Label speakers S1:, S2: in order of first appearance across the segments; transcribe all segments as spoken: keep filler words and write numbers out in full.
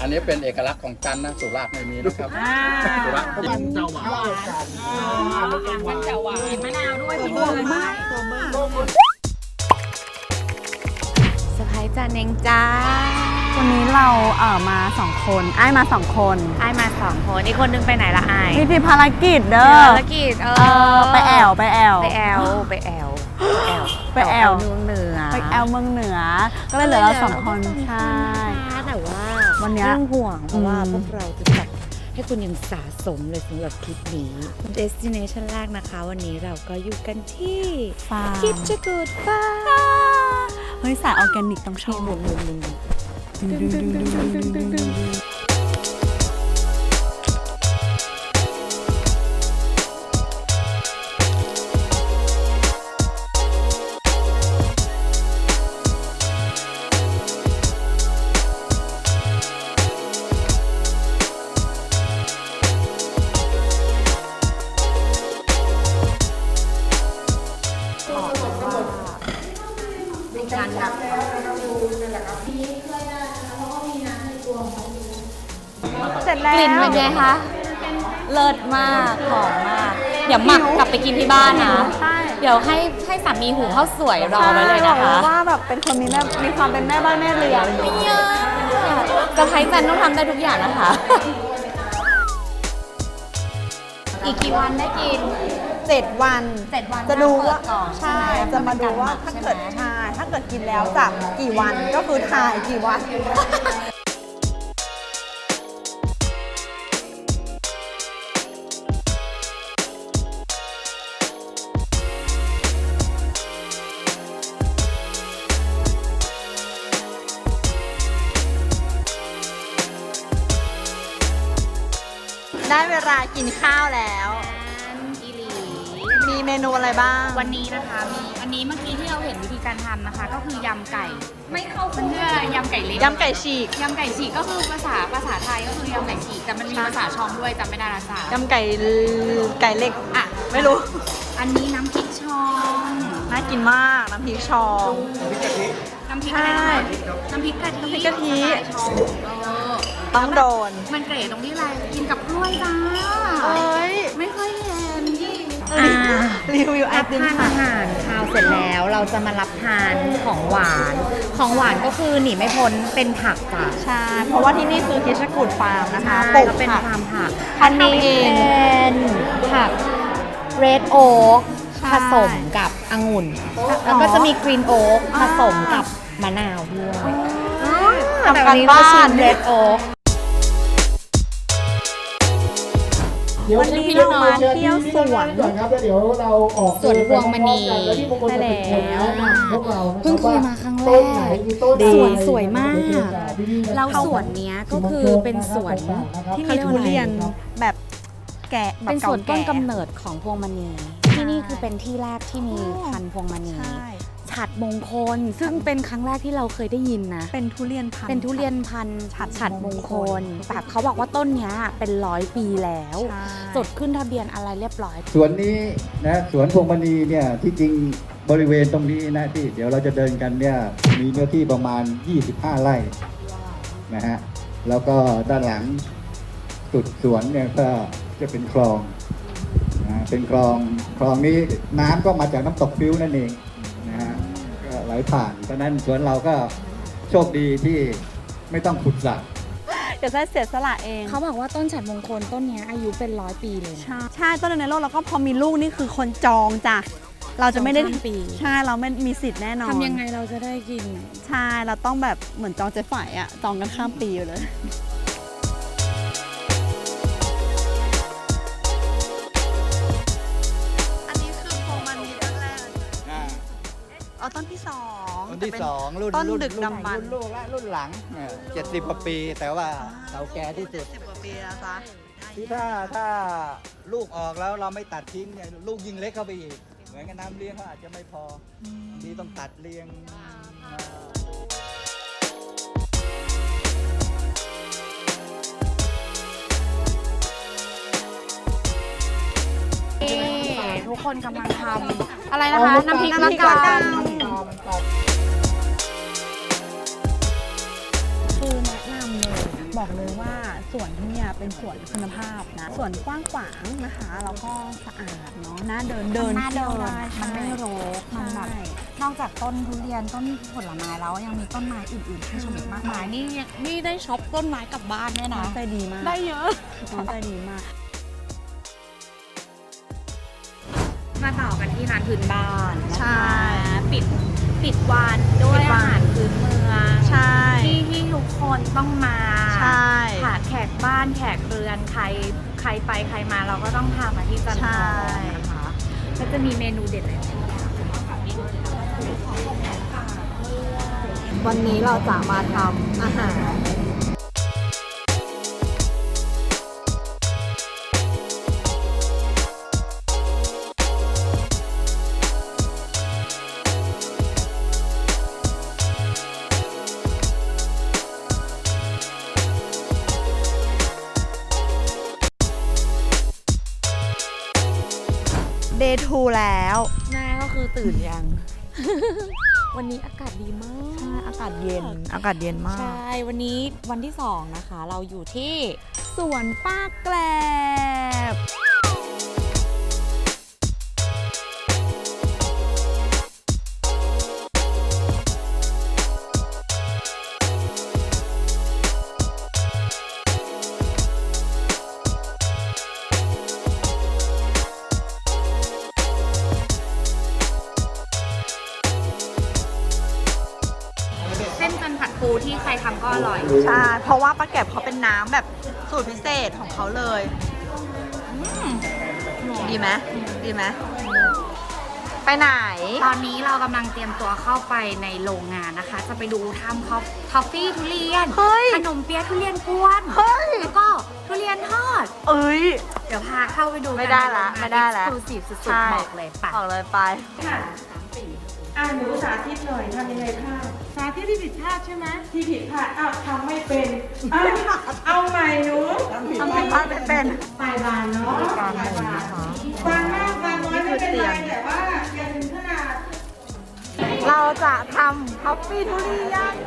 S1: อันนี้เป็นเอกลักษณ์ของจันทร์นะสุราษฎร์ไม่มีนะครับสุราษฎร์กินเจ้าหวาน
S2: มันจะหวานมะนาวด้วยพี่เบิร์ดมากสไปซ์จานเองจ้า
S3: วันนี้เราเอ่อมาสองคนไอ้ายมาสองคน
S2: ไอ้มาสองคนอีกคนนึงไปไหนละไอ้
S3: มีที่ภารกิจเด้อ
S2: ภารกิจเอ
S3: เออไปแอวไปแอว
S2: ไปแอลไปแอลไปแอล
S3: ไปแอล
S2: เมืองเหนือ
S3: ไปแอลเมืองเหนือ ก็เลยเหลือเราสองคนใช่
S2: แต่ว่า
S3: วันเนี้ย
S2: เรื่องห่วงเพราะว่า
S3: อืม
S2: พวกเราจะจัดให้คุณยังสะสมเลยสำหรับทริปนี้ destination แรกนะคะ วันนี้เราก็อยู่กันที่
S3: ฟาร์ม
S2: คิดจะกูดฟ้า
S3: เฮ้ยสายออร์แกนิกต้องชอบ
S2: มุมมุมมุม
S3: เสร็จแล้ว
S2: กลิ่นเป็นไงคะ
S3: เลิศมากหอมมาก
S2: เดี๋ยวหมักกลับไปกินที่บ้านนะ
S3: ใช่
S2: เดี๋ยวให้ให้สามีหุงข้าวสวยรอไว้เลยนะคะ
S3: ใช่บอกว่าแบบเป็นคนมีแม่มีความเป็นแม่บ้านแม่เรือน
S2: ไม่เยอะกระไพจันต้องทำได้ทุกอย่างนะคะ อีกกี่วันได้กิน
S3: เจ็ดวัน
S2: เจ็ดวัน
S3: จะดูว่า
S2: เปิก่อน
S3: ใช่
S2: ไห
S3: จะมาดูว่า
S2: ใช่
S3: ถ้า
S2: ไหม
S3: เกิดใช่ถ้าเกิดกินแล้วจะกี่วันก็คือถ่ายกี่วัน ได้เวลากินข้าวแล้ว
S2: อีหลี
S3: มีเมนูอะไรบ้าง
S2: วันนี้นะคะมีอันนี้เมื่อกี้ที่เราเห็นวิธีการทำนะคะ ก็คือยำไก่ ไม่เข้าเพื่อยำไก่เล็ก
S3: ยำไก่ฉีก
S2: ยำไก่ฉีกก็คือภาษาภาษาไทยก็คือยำไก่ฉีกแต่มันมีภาษาชองด้วยจำไม่ได้ละจ้าย
S3: ำไก่ไก่เล็ก
S2: อ่ะ
S3: ไม่รู้
S2: อันนี้น้ำพริกชอง
S3: น่ากินมาก น้ำพริกชอง
S2: น้ำพริก
S3: ใช่
S2: อะไรนะน้ำพริกกะทิ
S3: น้ำพริกกะทิ
S2: สไตล์ชองเออ
S3: ต้องโดน
S2: มันเก๋ตรงที่อะไรกินกับกล้วยจ้า
S3: เอ้ย
S2: ไม่ค่อยเห็น
S3: อ่ารีวิวไอ
S2: รับ
S3: ติม
S2: ทาน
S3: ค่ะ
S2: อาหารคาวเสร็จแล้วเราจะมารับทานของหวาน ของหวานก็คือหนีไม่พ้นเป็นผักจ้ะ
S3: ใช่ เพราะว่าที่นี่คือคิชกูดฟาร์มนะคะ
S2: ใช่
S3: ปลูก
S2: ก็เป็น
S3: ผัก
S2: ฟาร์มผัก
S3: พันธุ์เอง
S2: เป็นผัก red oak
S3: ใช่
S2: ผสมกับองุ่น แล้วก็จะมี green oak ผสมกับมะนาวด้วย
S3: ทำการบ้าน
S2: เรดโอ๊ก
S3: วันนี้เรามาเที่ยวสวน
S4: ก่อนครับแล้วเดี๋ยวเราออก
S2: สวนพวงมณี
S4: ใช่แล้วพวกเรา
S2: เพิ่งเคยมาครั้งแรก
S4: ดี
S2: สวนสวยมาก เราสวนเนี้ยก็คือเป็นสวน
S3: ที่มีทุเรียนแบบแก่แบบ
S2: เป็นสวนต้น
S3: เก่าก
S2: ำเนิดของพวงมณี ที่นี่คือเป็นที่แรกที่มีพันธุ์พวงมณี
S3: ใช่
S2: ฉัดมงคล ซึ่งเป็นครั้งแรกที่เราเคยได้ยินนะ
S3: เป็นทุเรียนพันธุ์
S2: เป็นทุเรียนพันธุ์
S3: ฉัด
S2: ฉัดมงคลแบบเขาบอกว่าต้นเนี้ยเป็นร้อยปีแล้ว
S3: ใช่
S2: จดขึ้นทะเบียนอะไรเรียบร้อย
S1: สวนนี้นะสวนพวงมณีเนี่ยที่จริงบริเวณตรงนี้นะที่เดี๋ยวเราจะเดินกันเนี่ยมีเนื้อที่ประมาณ ยี่สิบห้า ไร่นะฮะแล้วก็ด้านหลังสุดสวนเนี่ยก็จะเป็นคลองนะเป็นคลองคลองนี้น้ำก็มาจากน้ำตกฟิวนั่นเองนะฮะก็ไหลผ่านเพราะฉะนั้นสวนเราก็โชคดีที่ไม่ต้องขุดสระ
S3: เดี๋ยวจะเสียสละเอง
S2: เขาบอกว่าต้นฉัดมงคลต้นเนี้ยอายุเป็นร้อยปีเลยนะ
S3: ใช่ใช่ต้นในโลกแล้วก็พอมีลูกนี่คือคนจองจ้ะเราจะไม่ได้
S2: จองข้ามปี
S3: ใช่เราไม่มีสิทธิ์แน่นอน
S2: ทำยังไงเราจะได้กิน
S3: ใช่เราต้องแบบเหมือนจองเจ๊ฝ่ายอะจองกันข้ามปีเลยอันนี้คือพวงมณีต้นแรกอ๋อต้นที่สอง
S1: ต้นที่สองรุ่น
S3: ต้น
S1: รุ่
S3: ดึกดำบรร
S1: รุ่
S3: พ์
S1: นลูกและรุ่นหลังเจ็ดสิบกว่าปี แต่ว่าเก่าแก่ที่สุด
S3: สิบกว่าปีแล้วจ้ะ
S1: ที่ถ้าถ้าลูกออกแล้วเราไม่ตัดทิ้งเนี่ยลูกยิ่งเล็กเข้าไปอีก เหมือนกับน้ำเลี้ยงเขาอาจจะไม่พอที่ต้องตัดเลี้ยง
S2: ทุกคนกำลังทำอะไรนะคะ น้ำพริกละกัน คือแนะนำเลย
S3: บอกเลยว่าสวนที่เนี่ยเป็นสวนคุณภาพนะสวนกว้างขวางนะคะแล้วก็สะอาดเนาะน่าเดินเดิน
S5: น่าเดิน
S3: ที่ยวได้
S5: มันไม่รกมันแบบ
S3: ใช่
S5: นอกจากต้นทุเรียนต้นผลไม้แล้วยังมีต้นไม้อื่นๆให้ชมอีกมากมายนี่นี่ได้ช็อปต้นไม้กลับบ้านด้วย
S3: น้อ
S5: นะ
S3: งใจดีมาก
S5: ได้เยอะ
S3: น้องใจดีมาก
S2: มาต่อกันที่ร้านพื้นบ้านนะคะ
S5: ใช่
S2: ปิดปิดวันด้วย
S5: ปิดวั
S2: อาน หารพื้นเมือง
S5: ใช่
S2: ที่ที่ทุกคนต้องมา
S5: ใช่
S2: ค่ะแขกบ้านแขกเรือนใครใครไปใครมาเราก็ต้องพามาที่จันท
S5: ใช่
S2: ร์นะคะก็จะมีเมนูเด็ดอะไรบ้าง
S5: วันนี้เราจะมาทำอาหาร เดย์ทูแล้ว
S2: แม่ก็คือตื่นยัง วันนี้อากาศดีมาก
S5: ใช่ อากาศเย็น อากาศเย็นมาก
S2: ใช่ วันนี้วันที่สองนะคะ เราอยู่ที่
S5: สวนป้าแกลบ
S2: เส้นจันผัดปูที่ใครทำก็อร่อย
S5: ใช่ เพราะว่าป้าแกลบเขาเป็นน้ำแบบสูตรพิเศษของเขาเลยอืมดีไหมดีไหม ไปไหน
S2: ตอนนี้เรากำลังเตรียมตัวเข้าไปในโรงงานนะคะ จะไปดูทำคอฟทอฟฟี่ทุเรียน
S5: เฮ้ย
S2: ขนมเปี๊ยะทุเรียนกวน
S5: เฮ้ย
S2: แล้วก็ทุเรียนทอด
S5: เอ้ย
S2: เดี๋ยวพาเข้าไปดู
S5: ไม่ได้ละไม่ได้ละ
S2: ดูสิสุด
S5: ใช่
S2: ๆบอกเลยปะ
S5: ออกเลยไป
S6: อ่าหนูสาธิตหน่อยทำยังไงพลาดสาธิตที่ผิดพลาดใช่ไหมที่ผิดพลาดอ้าวทำไม่เป็นเอาเอาใหม่หนู
S5: ทำผิดพลาดไม่เป็น
S6: ปลายบานเนาะปลายบานบานมากบานน้อยไม่เป็นไรแต่ว่าอย่าถึงขนาด
S5: เราจะทำคอฟฟี่ทุเรียน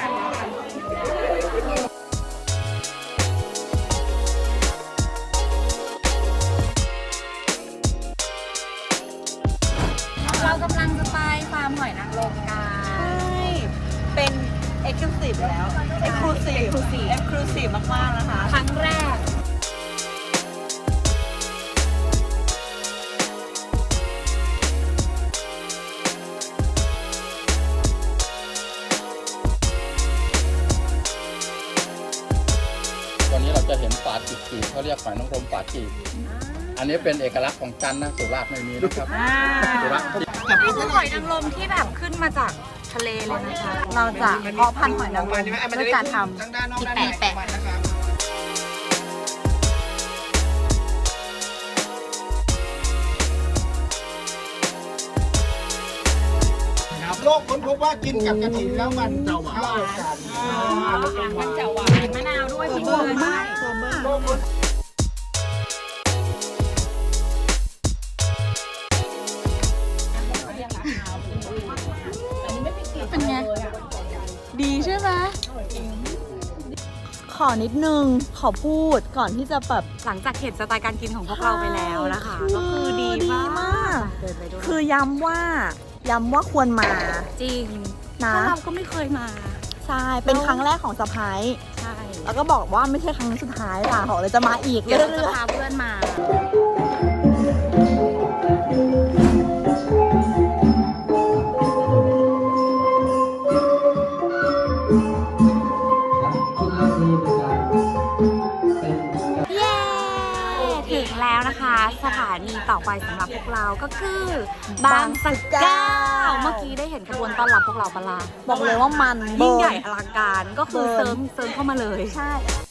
S2: เรากำลังจะไปฟาร์มหอยนางรมกัน
S5: ใช่ เป็น exclusive แล้ว exclusive
S2: exclusive
S5: exclusive มาก ๆ นะคะ
S2: ครั้งแรก
S7: วันนี้เราจะเห็นฝาจีบจีบเขาเรียกหอยนางรมฝาจีบอันนี้เป็นเอกลักษณ์ของจันทร์นะสุราษฎร์ไม่มีนะครับสุราษฎร์
S2: นี่คือหอยนางรมที่แบบขึ้นมาจากทะเลเลยนะคะ
S5: เราจะเพาะพันธุ์หอยนางรมด้วยการทำ
S2: ที่แปะแปะ
S4: โลกค้นพบว่ากินกับกระถิ่นแล้วมันจะหวาน
S2: มันจะหวานมะนาวด้วยพี่เบิร์ดมาก
S5: เป็นไง ดีใช่ไหม ขอนิดนึง ขอพูดก่อนที่จะแบบ
S2: หลังจากเห็นสไตล์การกินของพวกเราไปแล้วนะคะ
S5: คือ
S2: ก็คือดี
S5: ดี
S2: มาก
S5: มาก
S2: เดินไปด้วย
S5: คือย้ำว่า ย้ำว่าควรมา
S2: จริง
S5: นะ
S2: เพราะเราก็ไม่เคยมา
S5: ใช่ เป็นครั้งแรกของสะพ้าย
S2: ใช่
S5: แล้วก็บอกว่าไม่ใช่ครั้งสุดท้ายล่ะบอกเลยจะมาอีก
S2: เดี๋ยว
S5: เรื่
S2: เราจะ
S5: อย
S2: พาเพื่อนมา เย้ ถึงแล้วนะคะ สถานีต่อไปสำหรับพวกเราก็คือบางสะเก้าเมื่อกี้ได้เห็นขบวนต้อนรับพวกเราปะล่ะ
S5: ๆ บอกเลยว่ามัน
S2: ยิ่งใหญ่
S5: เบิ
S2: อลังการก็คือ
S5: เบิ
S2: เซิ
S5: ร์
S2: ร์
S5: น
S2: ฟเซิร์ฟเข้ามาเลย
S5: ใช่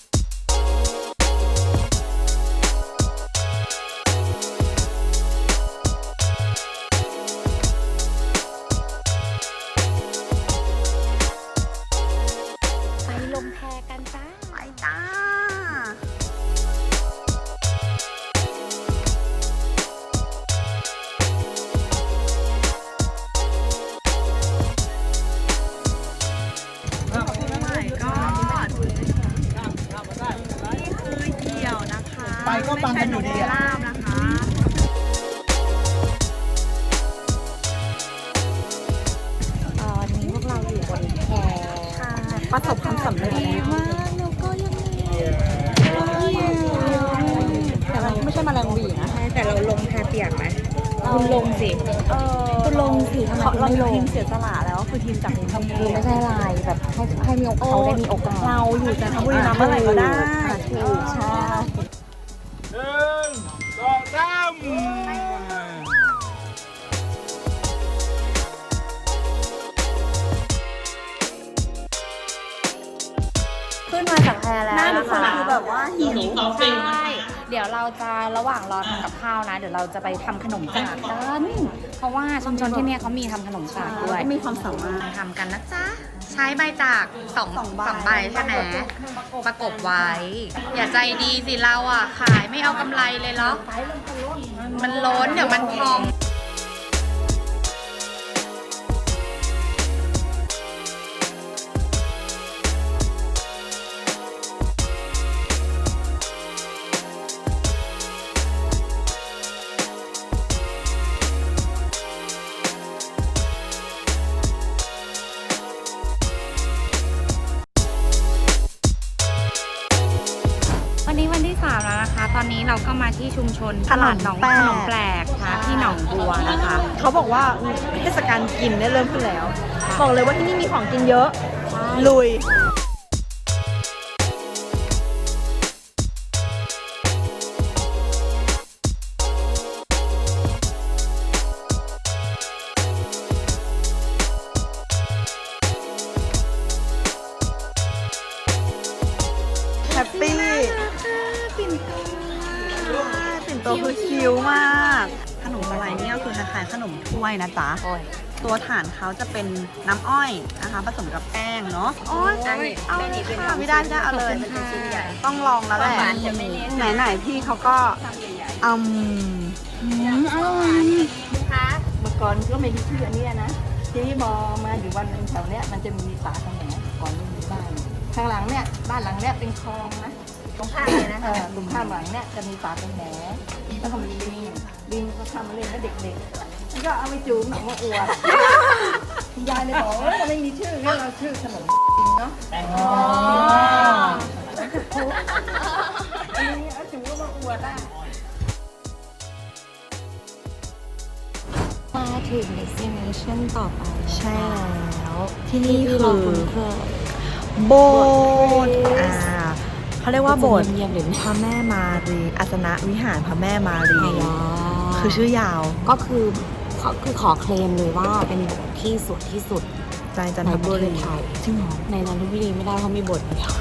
S2: ไปลงแพกันจ้า
S5: ไปจ้า
S3: ก
S2: คุณลงสิ
S3: เออ
S2: คุณลงสิทำไม
S3: เขา
S2: คุณ
S3: เรา
S2: ไม่
S3: มี
S2: ลง
S3: ทีมเสียสละแล้วคือทีมจากกรุงเทพ
S2: คือไม่ใช่ลายแบบให้ให้มีเขาได้มีโอกาส
S3: เราอยู่จันทบุรีมาเมื่อไหร่ก็ได้
S2: ถูกใช่
S4: หนึ่งสองสาม
S2: ขึ้นมาจากแพแล้ว
S3: หน้าทุก
S2: นะ
S3: คน
S2: คะ
S3: คือแบบว่าหิว
S2: ใช่เดี๋ยวเราจะระหว่างรอทำกับข้าวนะ เดี๋ยวเราจะไปทำขนมจากกันเพราะว่าชุมชนที่เนี่ยเขามีทำขนมจากด้วย
S3: ก็มีความสามารถ
S2: ทำกันนะจ๊ะ ใช้ใบจากสอง
S3: สองใบ
S2: สองใบใช่ไหมประกบไว้ อย่าใจดีสิเราอ่ะ ขายไม่เอากำไรเลยเหรอ มันล้นเดี๋ยวมันพอง วันนี้วันที่สามแล้วนะคะ ตอนนี้เราก็มาที่ชุมชนตลาดหนองขนมแปลกนะที่หนองบัวนะคะ
S3: เขาบอกว่าเทศกาลกินได้เริ่มขึ้นแล้ว บอกเลยว่าที่นี่มีของกินเยอะ ลุย แฮปปี้ปิ่นโตปิ่นโตคือคิ้วมาก ขนมอะไรเนี่ยก็คือคล้ายๆขนมถ้วยนะจ๊ะ ตัวฐานเขาจะเป็นน้ำอ้อยนะคะผสมกับแป้งเนาะโอ้ยเอาเลยค่ะไม่ได้ไม่ได้เอาเลยต้องลองแล้วแหละไหนๆพี่เขาก็อืมอืมอร่อย
S6: เมื่อก่อนก็ไม่มีชื่ออันเนี้ยนะทีนี้พอมาอยู่วันหนึ่งแถวเนี้ยมันจะมีป่าตรงไหนก่อนไม่มีบ้านข้างหลังเนี่ยบ้านหลังเนี้ยเป็นคลองนะตรงข้ามเลยนะเออตรงข้ามหลังเนี่ยจะมีป่าเป็นแหนแล้วก็มีลิงลิงก็ทำมาเล่นกับเด็กๆมันก็เอาไปจูงหนังมาอวดคุณยายเลยบอกว่าเราไม่มีชื่องั้นเราชื่อขนมเนาะอ๋ออันนี้เอาจูงมาอวดได้
S2: มาถึง destination ต่อไป
S3: ใช่แล้ว ที่
S2: ที่
S3: นี่
S2: ที่
S3: คื
S2: เรา
S3: อ
S2: คุ้นเคย
S3: โบสถ์อ่าเขาเรียกว่าโบสถ์
S2: เงียบๆเลย
S3: พระแม่มารีอาสนะวิหารพระแม่มารี
S2: อ๋อ
S3: คือชื่อยาว
S2: ก็คือขอคือขอเคลมเลยว่าเป็นบทที่สวยที่สุด
S3: ใจจันท
S2: ในป
S3: บุ
S2: ระเท
S3: รี
S2: ศไทย
S3: จริงเหรอ
S2: ในจันทบุรีไม่ได้เพราะมีบทเดียว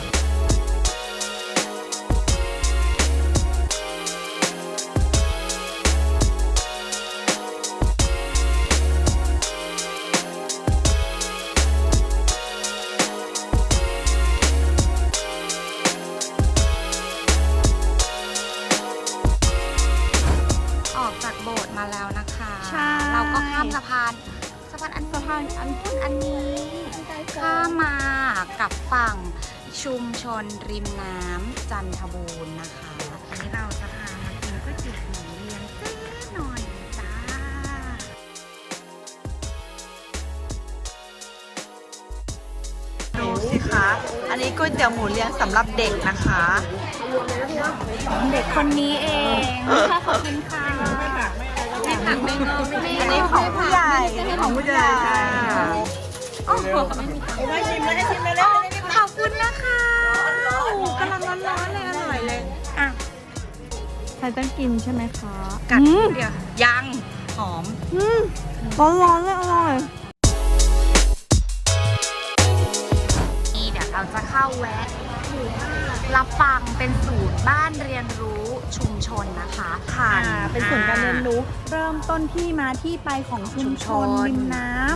S2: ออกจากโบสถ์มาแล้วนะคะ
S3: ใช่
S2: เราก็ข้ามสะพานสะพานอันสะพานอันพุ่นอันนี้ข้ามมากับฝั่งชุมชนริมน้ำจันทบูรณ์นะคะอันนี้เราจะพามากินก๋วยเตี๋ยวหมูเรียงเจ๊หน่อยจ้า
S3: ดูสิคะ อันนี้ก๋วยเตี๋ยวหมูเลี้ยงสำหรับเด็กนะคะ
S2: เด็กคนนี้เองขอบคุณค่ะไม่ผักไม่งอไม่ไม่
S3: อันนี้ของผู้ใหญ่อันนี้ของผู้ใหญ่ค่ะ
S2: โอ้โหไม่มีตังค์
S6: มาชิมเลยชิมเลยแล้ว
S2: ขอบคุณนะคะกำลังร้อนๆเลยอร่อยเลยอ่ะ
S3: ใครต้องกินใช่ไหมคะ
S2: กัดเดี๋ยวยังหอม
S3: ร้อนร้อนๆเลยอร่อย
S2: นี่เดี๋ยวเราจะเข้าแวะรับฟังเป็นศูนย์บ้านเรียนรู้ชุมชนนะคะผ่าน
S3: อ่าเป็นศูนย์การเรียนรู้ เริ่มต้นที่มาที่ไปของชุมชนริมน้ำ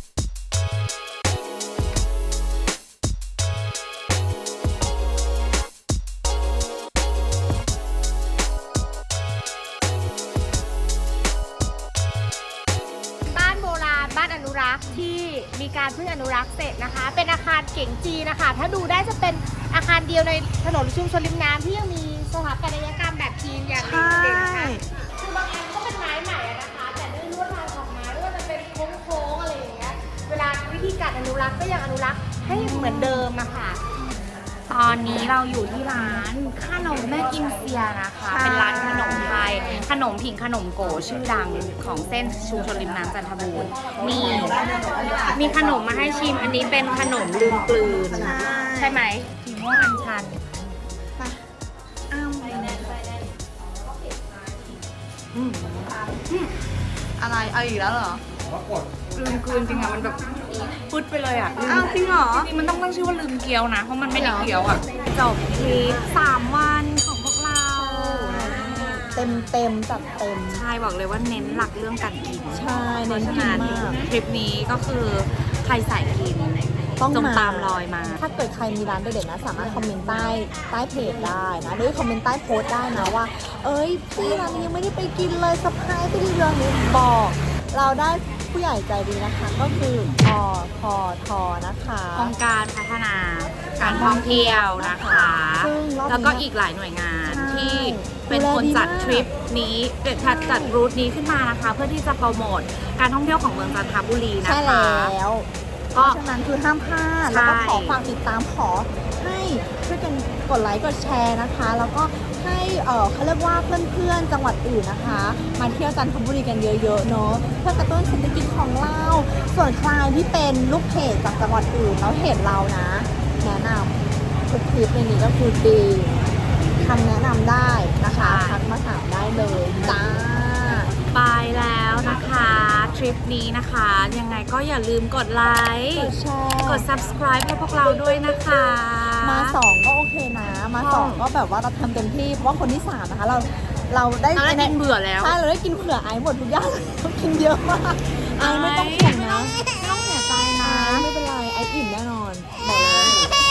S8: บ้านโบราณบ้านอนุรักษ์ที่มีการเพิ่งอนุรักษ์เสร็จนะคะ เป็นอาคารเก๋งจีนนะคะ ถ้าดูได้จะเป็นอาคารเดียวในถนนชุมชนริมน้ำที่ยังมีสถาปัตยกรรมแบบจีนอย่าง
S3: ใช่
S8: เด่นๆนะคะคือบางอันก็เป็นไม้ใหม่อะนะคะ แต่ด้วยลวดลายของไม้ไม่ว่าจะเป็นโค้งๆอะไรอย่างเงี้ยเวลาวิธีการอนุรักษ์ก็ยังอนุรักษ์ให้เหมือนเดิมอะค่ะ
S2: ตอนนี้เราอยู่ที่ร้านขนมแม่กิมเซียนะคะ เป็นร้านขนมไทย ขนมผิงขนมโกชื่อดังของเส้นชุมชนริมน้ำจันทบูรณ์มีมีขนมมาให้ชิม อันนี้เป็นขนมลืมกลืน ใช่ไหมสีม่วงอัญชัน
S3: อ้าว
S2: อืม
S3: อะไรเอาอีกแล้วเหรอ
S2: ลืมกลืนจริงอะมันแบบฟุดไปเลยอะลืม
S3: อ้าวจริงเหรอ
S2: จริงๆมันต้องตั้งชื่อว่าลืมเกี๊ยวนะ เพราะมันไม่ได้เกี๊ยวอะจบทริปสามวันของพวกเรา
S3: เต็มเต็มจัดเต็ม
S2: ใช่บอกเลยว่าเน้นหลักเรื่องการกิน
S3: ใช่
S2: เพ
S3: เน้
S2: ราะ
S3: น
S2: ฉะ
S3: กิน
S2: นั้น
S3: มาก
S2: ทริปนี้ก็คือใครใส่กิน
S3: ต้อง
S2: จง
S3: มา
S2: ตามรอยมา
S3: ถ้าเกิดใครมีร้านเด็ดๆนะ สามารถคอมเมนต์ใต้ใต้เพจได้นะหรือคอมเมนต์ใต้โพสต์ได้นะว่า เอ้ยพี่ร้านนี้ยังไม่ได้ไปกินเลยสะพายไปดีเรื่องนี้บอก เราได้ผู้ใหญ่ใจดีนะคะ ก็คืออพทนะคะ
S2: องค์การพัฒนาการท่องเที่ยวนะคะ
S3: ซึ่งรอบนี้
S2: แล้วก็อีกหลายหน่วยงาน
S3: ใช่
S2: ที่เป็นคนจัดทริปนี้เด็ดจัดจัดรูทนี้ขึ้นมานะคะ เพื่อที่จะโปรโมทการท่องเที่ยวของเมืองจันทบุรีนะ
S3: ใช่
S2: คะ
S3: แล้วเพ
S2: ก็
S3: ราะฉะนั้นคือห้ามพลาด แล้วก็
S2: ใช่
S3: ขอฝากติดตามขอให้ช่วยกันกดไลค์กดแชร์นะคะ แล้วก็ให้เออเขาเรียกว่าเพื่อนๆจังหวัดอื่นนะคะ มาเที่ยวจันทบุรีกันเยอะๆเนาะเพื่อกระตุ้นเศรษฐกิจของเรา ส่วนใครที่เป็นลูกเพจจากจังหวัดอื่นแล้วเห็นเรานะ แนะนำทุกคลิปในนี้ก็คือดีคำแนะนำได้นะคะทักมาถามได้เลยจ้า
S2: ไปแล้วนะคะทริปนี้นะคะ ยังไงก็อย่าลืมกดไลค์
S3: กดแชร์
S2: กด subscribe ให้พวกเราด้วยนะคะ
S3: มาสองก็โอเคนะ มาสองก็แบบว่าเราทำเต็มที่เพราะว่าคนที่สามนะคะ เราเราได้
S2: เราได้กินเบื่อแล้ว
S3: ใช่เราได้กินเผื่อไอซ์หมดทุกอย่างเรากินเยอะมากไอซ์ไม่ต้องห่วงนะ
S2: ไม่ต้องเสียใจนะ
S3: ไอซ์ไม่เป็นไรไอซ์อิ่มแน่นอนบอกเลย